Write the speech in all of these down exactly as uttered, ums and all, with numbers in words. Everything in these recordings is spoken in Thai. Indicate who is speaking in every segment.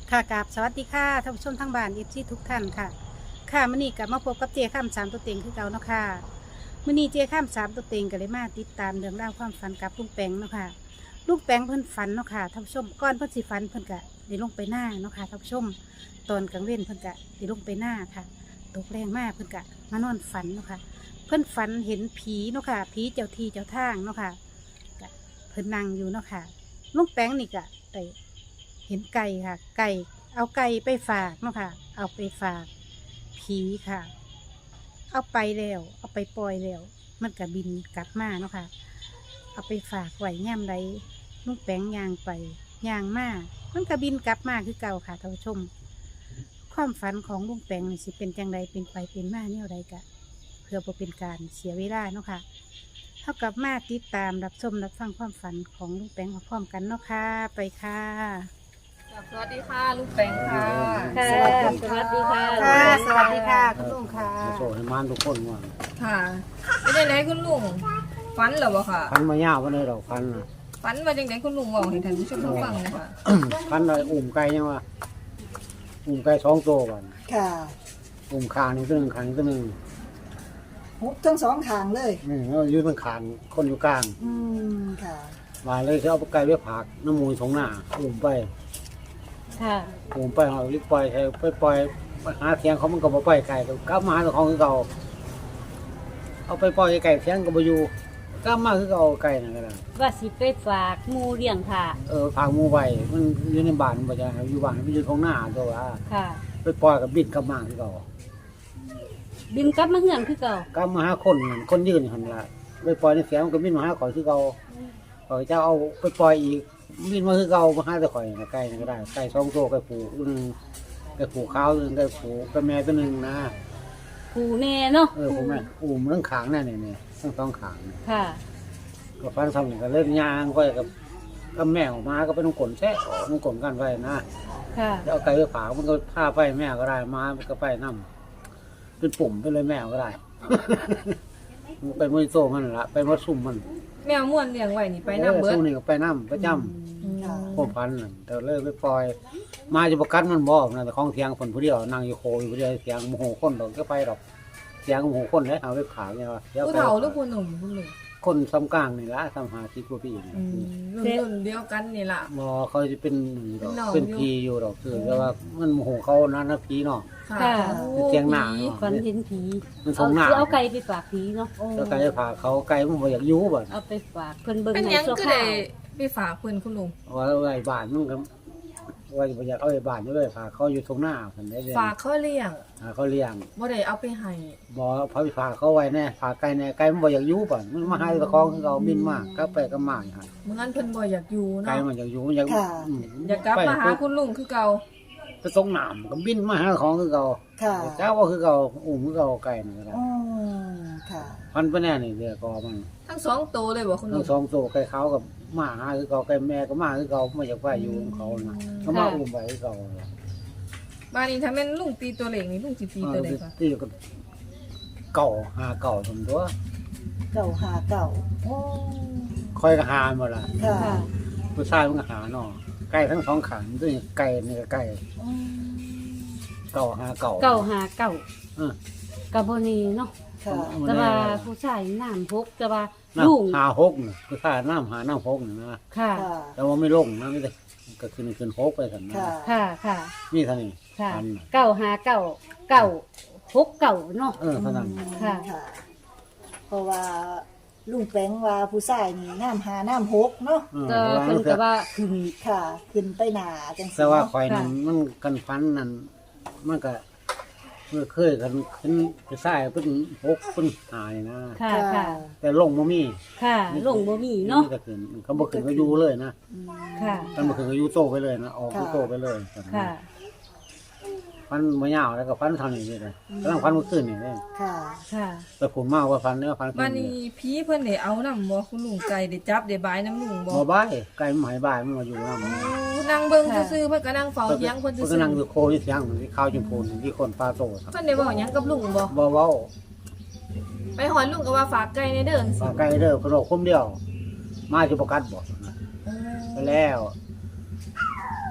Speaker 1: ค่ะกราบสวัสดีค่ะท่านผู้ชมทั้งบ้านเอฟซีทุกท่านค่ะค่ะมื้อนี้กลับมาพบกับเจข้ามสามตัวเต็งคือเก่าเนาะค่ะมื้อนี้เจข้ามสามตัวเต็งก็เลยมาติดตามเรื่องราวความฝันกับลุงแปงเนาะค่ะลุงแปงเพิ่นฝันเนาะค่ะท่านผู้ชมก่อนเพิ่นสิฝันเพิ่นก็ได้ลงไปหน้าเนาะค่ะท่านผู้ชมตอนกลางเว้นเพิ่นก็ได้ลงไปหน้าค่ะตกแรงมากเพิ่นก็มานอนฝันเนาะค่ะเพิ่นฝันเห็นผีเนาะค่ะผีเจ้าที่เจ้าทางเนาะค่ะก็เพิ่นนั่งอยู่เนาะค่ะลุงแปงนี่ก็ได้เห็นไก่ค่ะ ไก่ เอาไก่ไปฝากเนาะค่ะ เอาไปฝากผีค่ะ เอาไปแล้ว เอาไปปล่อยแล้ว มันก็บินกลับมาเนาะค่ะ เอาไปฝากไว้ย่ำไรลุงแปงยางไปยางมามันก็บินกลับมาคือเก่าค่ะท่านผู้ชม ความฝันของลุงแปงนี่สิเป็นจังใดเป็นไปเป็นมาเนี่ยไรกะ เพื่อบ่เป็นการเสียเวลาเนาะค่ะเท่ากับมาติดตามรับชมรับฟังความฝันของลุงแปงพร้อมๆกันเนาะค่ะ ไปค่ะ
Speaker 2: สวัสดีค่ะลูกแปงค่ะ
Speaker 1: ค่ะ
Speaker 2: สวัสดีค่ะ
Speaker 1: ค่ะสวัสดีค่ะคุณลุงค่ะ
Speaker 3: โซ่ให้มันทุกคนว่า
Speaker 2: ค่ะเป็นยังไงคุณลุงฝันเหรอวะค่ะ
Speaker 3: พันมายาววันนี้เราพันน่ะ
Speaker 2: ฝันว่าจังไงคุณลุงบอกให้ท่านผู้ชมฟังหนะคะ
Speaker 3: พันอะไรอุ่มไก่ยังวะอุ่มไก่สองตัวกัน
Speaker 4: ค่ะ
Speaker 3: อุ่มคางนี่ตัวหนึ่งคางนี่ตัวหนึ่ง
Speaker 4: ฮุบทั้งสองทางเลย
Speaker 3: นี่แล้วยืนเป็นคางคนอยู่กลาง
Speaker 4: อืมค่ะ
Speaker 3: มาเลยจะเอาไก่ไปผักน้ำมูลสองหน้าอุ่มไป
Speaker 1: ค่ะ
Speaker 3: อุ่มไปเอาลิปปล่อยไปไปปล่อยไปหาเสียงเขามันก็มาปล่อยไก่ก็กลับมาหาเจ้าของคือเก่าเอาไปปล่อยไก่เสียงก็มาอยู่กลับมาคือเก่าไก่นั่นก็ได้
Speaker 5: ว่าสิไปฝากหมูเลี้ยงค่ะ
Speaker 3: เออผักหมูไปมันอยู่ในบ้านมันจะอยู่บ้านมันอยู่ตรงหน้าตัวว่า
Speaker 5: ค่ะ
Speaker 3: ไปปล่อยกับบิดกลับมาคือเก่า
Speaker 5: บินกลับมาเฮือนคือเก่า
Speaker 3: ก็มาหาคนนั่นคนยืนหันละไปปล่อยในเสียงมันก็บินมาหาข่อยคือเก่าข่อยจะเอาไปปล่อยอีกบินมาคือเก่ามาหาแต่ข่อยนะไก่นั่นก็ได้ไก่สองตัวไก่ผูหนึ่งไก่ผูขาวหนึ่งไก่ผูไก่แม่ตัวหนึ่งนะ
Speaker 5: ผูแน่เนาะ
Speaker 3: เออผูแม่อุ้มเรื่องขางนั่นนี่นี่ทั้งสองขางนี่
Speaker 5: ค่ะ
Speaker 3: ก็ฟันทำนี่ก็เล่นยางก็กับก็แม่ออกมาก็ไปน้องกลนแท้น้องกลนกันไว้นะ
Speaker 5: ค่ะ
Speaker 3: แล้วเอาไก่ไปผามันก็ผ้าไปแม่ก็ได้มามันก็ไปน้ำเป็นปุ่มไปเลยแม่ก็ได้ มันไปมือโซ่มันละไปมัดซุ่มมัน
Speaker 2: แมวม่วนเลี้ยงไว้นี่ไปน้ำเบิ
Speaker 3: ออ
Speaker 2: ด
Speaker 3: ซุ่มนี่ก็ไปน้ำประจ
Speaker 4: ค่ะ
Speaker 3: ำพวกพันนั่นแต่เลยไปปล่อย มาจะประกันมันบอกนะแต่ของเสียงคนผู้เดียวนั่งอยู่โคอยู่ผู้เดียวเสียงโมโหคนดอกก็ไปดอกเสียงโมโหคนเลยเอาไปขายเนี่ยว่าดี๋ยว
Speaker 2: ผู้
Speaker 3: ไป
Speaker 2: เฒ่าหรือผู้หนุ่มคุณลุง
Speaker 3: คนซ้ำกลางนี่ละซ้ำหาสิบกว่าปีนี่
Speaker 2: อืมรุ่นรุ่นเดียวกันนี่ล่ะ
Speaker 3: บอเขาจะเป็นดอก
Speaker 2: เป็นน้อง
Speaker 3: เป็น
Speaker 2: อยู่
Speaker 3: พีอยู่ดอกคือแต่ว่ามันโมโหเขานะนะพีเนาะ
Speaker 2: ค่ะ
Speaker 5: ค่ะ
Speaker 3: เสียงหนา
Speaker 2: ผี
Speaker 3: เนาะ
Speaker 5: ฝันเห็นผี
Speaker 3: มันส
Speaker 5: เอา
Speaker 3: งหนา
Speaker 5: สิเอาไก่ไปฝากผีเนาะ
Speaker 3: แล้วไก่จะพาเขาไก่มันบ่อยากอยู่บ่
Speaker 5: เอาไปฝากเพิ่นเบิ่ง
Speaker 2: เป็น
Speaker 5: ใน
Speaker 2: หยัง
Speaker 5: โซ
Speaker 2: ก็
Speaker 5: ฟา
Speaker 2: ได้ไปฝากเพิ่นคุณลุง
Speaker 3: ว่าไว้บ้านมันก็ว่าบ่อยากเอาไว้บ้านอยู่เลยพาเขาอยู่ตรงหน้าเพิ่นได้เลย
Speaker 2: ฝากเขาเลี้ยง
Speaker 3: หาเขาเลี้ยง
Speaker 2: บ่ได้เอาไปให้
Speaker 3: บอพาไปฝากเขาไว้แน่ฝากไก่แน่ไก่มันบ่อยากอยู่ป่ะมันมาหาตะคองคือเขาบินมากก็ไปก็มาอย่างนั้น
Speaker 2: เมื่อนั้นเพิ่นบ่อยากอยู่
Speaker 3: ไก่
Speaker 2: เนาะ
Speaker 3: มันอยากอยู่มันอยาก
Speaker 4: ค่ะ
Speaker 3: ม
Speaker 2: อยากกลับมาหาคุณลุงคือเก่า
Speaker 3: ไปตรงหนามก็บินมาหาของคือเขา
Speaker 4: ค่ะ
Speaker 3: เจ้าว่าคือเขาอุ้มคือเขาไก่นี่ก็ได้
Speaker 4: อืมค่ะ
Speaker 3: พันไปแน่นี่เดี๋ยวก็มัน
Speaker 2: ทั้งสองตัวเลยบ่คุณลุ
Speaker 3: ทั้
Speaker 2: ง
Speaker 3: งสองตัวไก่เขากับมาหาคือเขาไก่แม่ก็มาคือเขาไม่อยากไปอยู่ของเขานะก็มาอุ้มไปคือเขา
Speaker 2: บ้านนี้ถ้าแม่นลุงตีตัวเล็กนี่ลุงสิตีตัวใดคะ
Speaker 3: ตีก็เก่าหาเก่าทำตัว
Speaker 4: เก่าหาเก่าโอ้
Speaker 3: คอยก็หาหมดละ
Speaker 4: ค่ะ
Speaker 5: ค่ะ
Speaker 3: ผู้ชายมันก็หาเนาะไก่ทั้งสองขันด้วยไก่นี่ก็ไก่
Speaker 4: อืม
Speaker 3: เก่าหาเก่า
Speaker 5: เก่าหาเก่า
Speaker 3: เออ
Speaker 5: กับบ่นี่เนาะ
Speaker 4: ค่ะ
Speaker 5: แต่ว่าผู้ชายน้ำพกแต่ว่า
Speaker 3: น้
Speaker 5: ลุง
Speaker 3: ำหาหกน่ะคือข้าน้ำหาน้ำหกน่ะนะ
Speaker 5: ค่ะ
Speaker 4: ค่ะ
Speaker 3: แต่ว่าไม่ลงนะไม่ได้ก็ขึ้นขึ้นหกไปสันนะ
Speaker 4: ค่ะ
Speaker 5: ค่ะค่ะ
Speaker 3: นี่เท่านี้
Speaker 5: ค่ะ
Speaker 3: พันน่ะ
Speaker 5: เก่าหาเก่าเก่าหกเก่าเนาะ
Speaker 3: เออเท่านั้น
Speaker 5: ค่ะ
Speaker 4: ค่ะ เพราะว่าลุงแปงว่าผู้ชายนี่น้ำหาน้ำหกเนาะ
Speaker 3: เออ
Speaker 5: ก็
Speaker 3: เพราะ
Speaker 5: เพิ่น
Speaker 3: ว่า
Speaker 5: ก็ว่าขึ้น
Speaker 4: ค่ะ ขึ้นไปหนาจังสิ
Speaker 3: แต่ว่า
Speaker 4: เนาะ
Speaker 3: คอยนั้น
Speaker 5: ค่ะ
Speaker 3: มันกันฟันนั่นมันก็เมื่อเคยกันขึ้นไปใส่เป็นหกเป็นหายนะ
Speaker 5: ค่ะค่ะ
Speaker 3: แต่ลงมามี
Speaker 5: ค่ะลงบ่มีเนาะ
Speaker 3: มีแต่ขึ้นเขาบอกขึ้นก็อยู่เลยนะ
Speaker 4: อืม
Speaker 5: ค่ะ
Speaker 3: เขาบอกขึ้นก็อยู่โตไปเลยนะออกอยู่โตไปเลย
Speaker 5: ค่ะ
Speaker 3: ฟันมายาวแล้วก็ฟันทำอย่างนี้เลยกำลังฟันเมื่อคืนนี่เลย
Speaker 4: ค่ะ
Speaker 5: ค่ะ
Speaker 3: แต่ผมมากว่าฟันเนี่ยฟัน
Speaker 2: บ้านนี้ผีเพิ่นได้เอานำบ่คุณลุงไก่ได้จับได้บายน้ำลุงบ่
Speaker 3: บ่บ่ายไก่มันหายบ่ายมันมาอยู่น้ำมัน
Speaker 2: นั่งเบิ่งซื่อๆเพิ่นก็นั่งเฝ้าเถียงเพิ่น
Speaker 3: เพิ่น
Speaker 2: ซื่
Speaker 3: ก็
Speaker 2: อ
Speaker 3: นั่งอยู่โคที่เถียงที่ข้าวจุมพูนที่คนปลาโตครับ
Speaker 2: ๆเพิ่นได้เว้าหยังกับลุงบ่
Speaker 3: บ่เว้า
Speaker 2: ไปหอนลุงก็ว่าฝากไก่ในเด้อจัง
Speaker 3: ฝา
Speaker 2: ซี่
Speaker 3: กไก่เด้อเพิ่นบอกคมเดียว มาจะประกัดบ่ไปแล้ว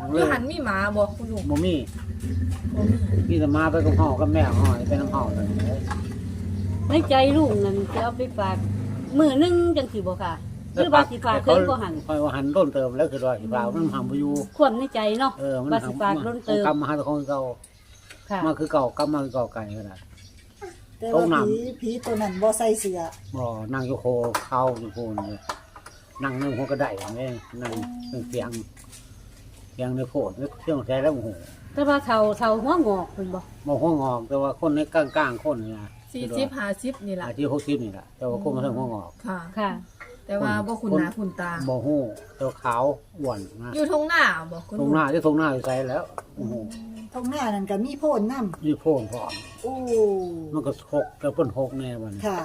Speaker 2: อยู่หันมีหมาบ่คุณลุง
Speaker 3: บ่มีมีแต่มาไปกับพ่อกับแม่ห่อยไปน้ำห่อเลย
Speaker 5: ในใจลุงนั่นจะเอาไปฝากมื้อหนึงจังสิบ่ค่ะหรือว่าสิฝากเพิ่นบ่หัน
Speaker 3: คอยว่าหันต้นเติมแล้วคือว่าสิฝากมันหำบ่อยู่
Speaker 5: ความในใจเนาะ
Speaker 3: เออมัน
Speaker 5: ว่าสิฝากล้นเติม
Speaker 3: กำมาหาแต่ของเก่า
Speaker 5: ค่ะ
Speaker 3: มาคือเก่ากำมาคือเก่าไก่ก็ได้
Speaker 4: แต่
Speaker 3: ต้
Speaker 4: ว่า
Speaker 3: องนำ
Speaker 4: ผีผีตัวนั้นบ่ใส่เสื้อ
Speaker 3: บ่นั่งอยู่โคเข้าอยู่โคนเลยนั่งในหัวกระไดอย่างนี้นั่งเสียงเสียงในโพดเสียงแท้แล้วโอ้โห
Speaker 5: แต่ว่าเฒ่าเฒ่าหัวงอกเพิ่นบ่
Speaker 3: บ่หัวงอกแต่ว่าคนในกลางๆคนนี่นะ
Speaker 2: สี่สิบห้าสิบนี่ล่ะ
Speaker 3: อาชีพหกสิบนี่แหละแต่ว่าคนมาทางหัวงอก
Speaker 2: ค่ะ
Speaker 5: ค่ะ
Speaker 2: แต่ว่าบ่คุณหน้าคุณตา
Speaker 3: บ่ฮู้แต่ว่าขาวอ้วนนะ
Speaker 2: อยู่ทงหน้าบ่คุณ
Speaker 3: ตร
Speaker 2: ลุ
Speaker 3: ง
Speaker 2: ง
Speaker 3: หน้าที่ตรงหน้าอยู่ใส่แล้วโอ้โห
Speaker 4: ตรงหน้านั่นก็มีโพนนำ
Speaker 3: มีโพ่นพร้อม
Speaker 4: โอ้
Speaker 3: มันก็หกแต่เพิ่นหกแน่บัดนี้
Speaker 4: ค่ะ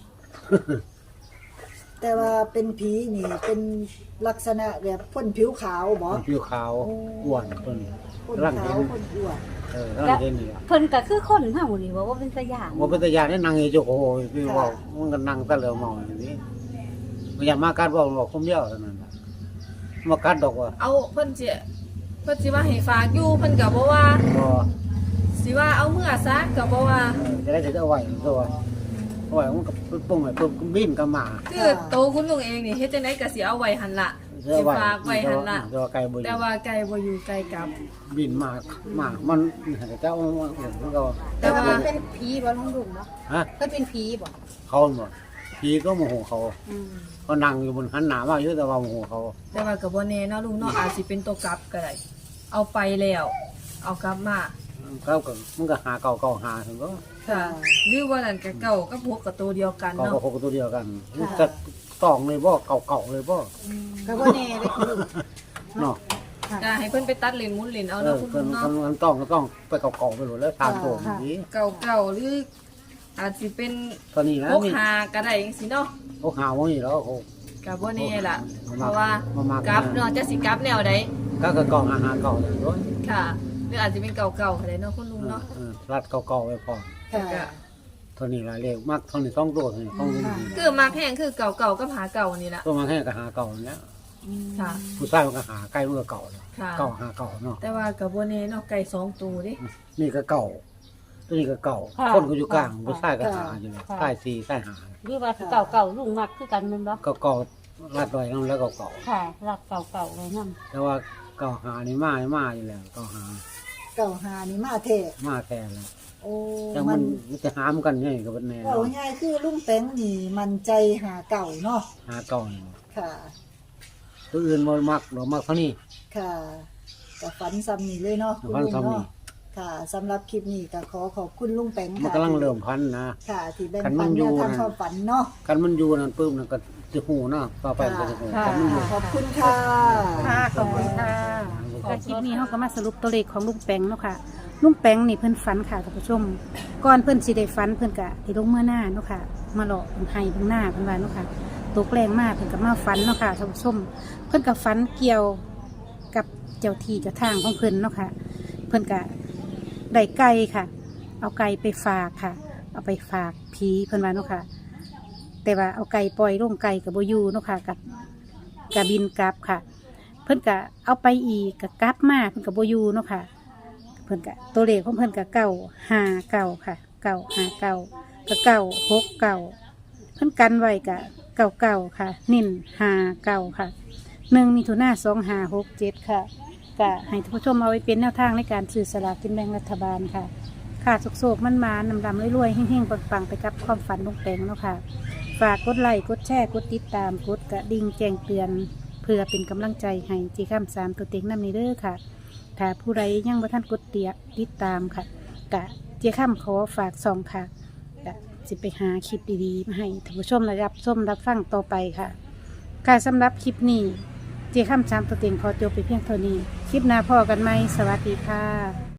Speaker 4: แต่ว่าเป็นผีนี่เป็นลักษณะแบบพ่นผิวขาวบ่
Speaker 3: มันผิวขาวอ้วนเพิ่น
Speaker 4: พ่น
Speaker 3: ร่าง
Speaker 4: ขา
Speaker 3: เห็
Speaker 4: วน พ่นอ้วน
Speaker 3: เออร่างเห็นนี่ล่ะ
Speaker 5: เพิ่นก็คือคนเฮานี่บ่ว่าเป็นตาย่าน
Speaker 3: ว่าเป็นตาญาณได้นั่งอยู่โจ้โหคือว่ามันก็นั่งตะเหลียวมองอย่างนี้มันอยากมากัดบอกบอกคมเดียวเท่านั้นน่ะมากัดดอกว่า
Speaker 2: เอาเพิ่นสิเพิ่นสิว่าให้ฝากอยู่เพิ่นก็บ่ว่า
Speaker 3: บ่
Speaker 2: สิว่าเอาเมื่อซะก็บ่ว่า
Speaker 3: เออจะได้ถือเอาไว้ตัวเอาไว้มันก็ปุ้งไว้ปุ๊บบินก็มา
Speaker 2: คือโตคุณลุงเองนี่เฮ็ดจังได๋ก็สิเอาไว้หั่นล่ะ
Speaker 3: เสื้อ
Speaker 2: สิ
Speaker 3: ไว้
Speaker 2: ฝากไว้หั่นล่ะ
Speaker 3: ตัวไก่บ่อยู่
Speaker 2: แต่ว่าไก่บ่อยู่ไก่กลับ
Speaker 3: บินมามามันเจ้ามันก็
Speaker 2: แต่ว่า
Speaker 1: เป็นผีบ่ลุงลุงเนาะ
Speaker 3: ฮะ
Speaker 1: เพิ่นเป็นผีบ่
Speaker 3: เขาหมดพี่ก็โมโหเขา
Speaker 1: อืม
Speaker 3: เขานั่งอยู่บนหันหนามาอยู่แต่ว่าโมโหเขา
Speaker 2: แต่ว่าก็บ่แน่เนาะลุงเนาะอาจสิเป็นตัวกลับก็ได้เอาไปแล้ว เอากลับมา
Speaker 3: เขาก็มันก็หาเก่าเก่าหาถึงก็
Speaker 2: ค่ะหรือว่านั่นก็เก่ากับพวกกับตัวเดียวกัน
Speaker 3: เก่า
Speaker 2: เนาะ
Speaker 3: กับหกตัวเดียวกันมันจะต้องเลยบ่เก่าเก่าเลยบ่
Speaker 1: ก็บ่แน่เลยคุณลุง
Speaker 3: เนาะ
Speaker 2: ก็ให้เพิ่นไปตัดเลนหมุนเลนเอา
Speaker 3: เอ
Speaker 2: เนาะ
Speaker 3: อ
Speaker 2: คุณ
Speaker 3: เพิ่
Speaker 2: ลุ
Speaker 3: น
Speaker 2: งเนาะ
Speaker 3: มันต้องก็ต้องไปเก่าเก่าไปหมดแล้วตามโถมนี้
Speaker 2: เก่าๆหรืออาจสิเป็น
Speaker 3: ตอนนี้นะ
Speaker 2: พวก
Speaker 3: นี่
Speaker 2: หาก็ได้จังซี่เนาะ
Speaker 3: เขาหาว่านี่แล้วเขา
Speaker 2: ก็บ่แน่ล่ะ
Speaker 3: บ่
Speaker 2: เพ
Speaker 3: มัก
Speaker 2: ราะว่า
Speaker 3: บ่มัก
Speaker 2: กลับเนาะจะสิกลับแนวใด
Speaker 3: ก็ก็เก่าหาหาเก่าเลยด้วย
Speaker 2: ค่ะหรืออาจจะเป็นเก่าๆก็ได้เนาะคุณลุงเนาะ
Speaker 3: เออรัดเก่าเก่าไว้พอ
Speaker 4: ค่ะ
Speaker 2: ก็
Speaker 3: เท่านี้ละเลขมักเท่านี้สองตัวเท่านี้สองตัวนี้
Speaker 2: คือมาแพงคือเก่าๆกับหาเก่านี่ล่ะ
Speaker 3: ตัวมาแค่ก็หาเก่าเนี้ย
Speaker 2: ค่ะ
Speaker 3: ผู้ชายมันก็หาใกล้มันก็เก่าเลย
Speaker 2: ค่ะ
Speaker 3: เก่าหาเก่าเนาะ
Speaker 2: แต่ว่าก็บ่แน่เนาะไก่สองตัวเดิ
Speaker 3: นี่ก็เก่า ตัวนี้ก็เก่า
Speaker 5: ค่ะ
Speaker 3: คนก็อยู่กลางผู้ชายก็หา
Speaker 4: ค่ะ
Speaker 3: อยู่เลย
Speaker 5: ค่ะ
Speaker 3: ใต้สี่ใต้หา
Speaker 5: หรือว่าสิเก่าเก่าลุงมักคือกันแม่นบ่
Speaker 3: ก็เก่าลัดไว้นั่นแล้วก็เก่า
Speaker 5: ค่ะรักเก่าเก่าไว้นำ
Speaker 3: แต่ว่าเก่าหานี่มามาอยู่แล้วเก่าหา
Speaker 4: เก่าหานี่มาเทศ
Speaker 3: มาแทนแล้ว
Speaker 4: โอ้
Speaker 3: แต่มั
Speaker 4: มัน น
Speaker 3: มันจะหามกันไงกับแน่
Speaker 4: เอาง่ายๆคือลุงแป้งนี่มันใจหาเก่าเนาะ
Speaker 3: หาเก่านี่
Speaker 4: ค่ะ
Speaker 3: ตัวอื่นบ่มักหรอกมักเท่านี้
Speaker 4: ค่ะกับฝันซ้ำนี่เลยเนาะคุณ
Speaker 3: ฝัน
Speaker 4: ลุง
Speaker 3: ซ้ำนี่
Speaker 4: เนาะค่ะสำหรับคลิปนี้ก็ขอขอบคุณลุงแป้ง
Speaker 3: มัน
Speaker 4: ค่ะ
Speaker 3: กำลังเริ่มพันนะ
Speaker 4: ค่ะที่แบ่ง
Speaker 3: คันมั
Speaker 4: ปัน
Speaker 3: นอยู่
Speaker 4: แนวทาง
Speaker 3: นะ
Speaker 4: ความฝันเนาะ
Speaker 3: กันมันอยู่นั่นปุ๊บนั่นก็จะหูเนาะต่อไปก็จะหู
Speaker 4: ค่ะ
Speaker 3: กันมันอยู่
Speaker 4: ขอบคุณค่ะ
Speaker 1: ค่ะขอบคุณค่ะค่ะคลิปนี้เฮาก็มาสรุปตัวเลขของลุงแปงเนาะค่ะลุงแปงนี่เพิ่นฝันค่ะท่านผู้ชม ก่อนเพิ่นสิได้ฝันเพิ่นก็ได้ลงเมื่อหน้าเนาะค่ะ มาหลอกเพิ่นให้เพิ่นหน้าเพิ่นว่าเนาะค่ะตกแรงมากเพิ่นก็มาฝันเนาะค่ะท่านผู้ชม เพิ่นก็ฝันเกี่ยวกับเจ้าที่เจ้าทางของเพิ่นเนาะค่ะ เพิ่นก็ได้ไก่ค่ะ เอาไก่ไปฝากค่ะ เอาไปฝากผีเพิ่นว่าเนาะค่ะ แต่ว่าเอาไก่ปล่อยลงไก่กับโบอยูเนาะค่ะกับกับบินกลับค่ะ เพิ่นก็เอาไปอีกกับกลับมาเพิ่นกับโบอยูเนาะค่ะ เพิ่นก็ตัวเลขของเพิ่นก็เก้าห้าเก้าค่ะเก้าห้าเก้าก็เก้าหกเก้าเพิ่นกันไว้กะเก้าเก้าค่ะ นิ่นห้าเก้าค่ะหนึ่งมิถุนาสองห้าหกเจ็ดค่ะก็ให้ท่านผู้ชมเอาไว้เป็นแนวทางในการซื้อสลากกินแบ่งรัฐบาลค่ะ ค่ะโศกๆมันมานำดำรวยๆเฮงๆปังๆไปกับความฝันลุงแปงเนาะค่ะ ฝากกดไลค์กดแชร์กดติดตามกดกระดิ่งแจ้งเตือน เพื่อเป็นกำลังใจให้จีข้ามสามตัวเต็งน้ำนี้เด้อค่ะ ถ้าผู้ใดยังบ่ท่านกดเตียติดตามค่ะกะเจีข้ามขอฝากซองค่ะกะสิไปหาคลิปดีๆมาให้ท่านผู้ชมรับชมรับฟังต่อไปค่ะ ค่ะสำหรับคลิปนี้เจีข้ามสามตัวเต็งขอจบไปเพียงเท่านี้ คลิปหน้าพอกันไหมสวัสดีค่ะ